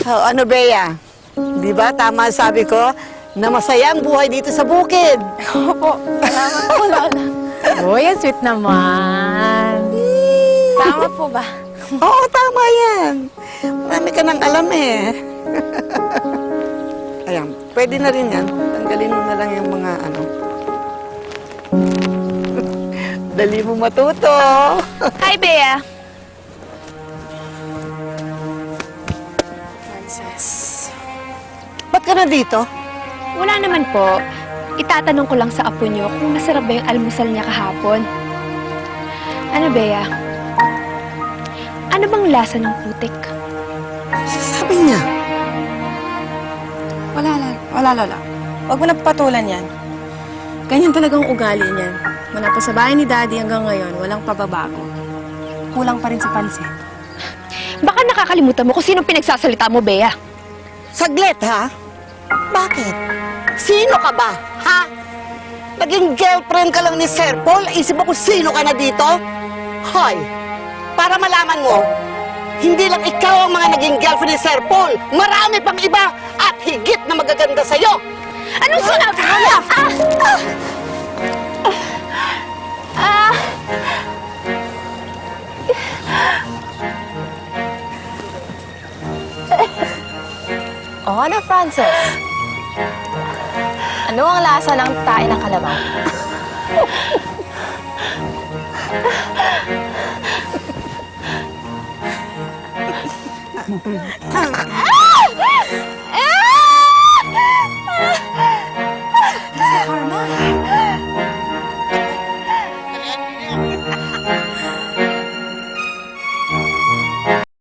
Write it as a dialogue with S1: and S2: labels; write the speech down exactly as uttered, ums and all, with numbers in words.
S1: Oh, ano, Bea? Di ba tama sabi ko na masaya ang buhay dito sa bukid?
S2: Opo, salamat po, Lola.
S3: Uy, ang sweet naman.
S2: Tama po ba?
S1: Oo, tama yan. Marami ka nang alam eh. Ayan, pwede na rin yan. Tanggalin mo na lang yung mga ano. Dali mo matuto.
S2: Hi, Bea. Frances.
S1: Ba't ka na dito?
S2: Wala naman po. Itatanong ko lang sa apo niyo kung masarap ba yung almusal niya kahapon. Ano, Bea? Ano bang lasa ng putik?
S1: Sabi niya.
S4: Wala, Lola. Wala, Lola. Huwag mo na papatulan yan. Ganyan talagang ugali niyan. Mula pa sa bahay ni Daddy hanggang ngayon, walang pababago. Kulang pa rin sa pansin.
S2: Baka nakakalimutan mo kung sino pinagsasalita mo, Bea.
S1: Saglit, ha? Bakit? Sino ka ba, ha? Naging girlfriend ka lang ni Sir Paul? Isip mo kung sino ka na dito? Hoy, para malaman mo, hindi lang ikaw ang mga naging girlfriend ni Sir Paul. Marami pang iba at higit na magaganda sa'yo.
S2: Anong sinabi mo? Ah! Ah! Ah!
S4: O ano, Frances? Ano ang lasa ng tae ng kalabaw?
S1: Ah!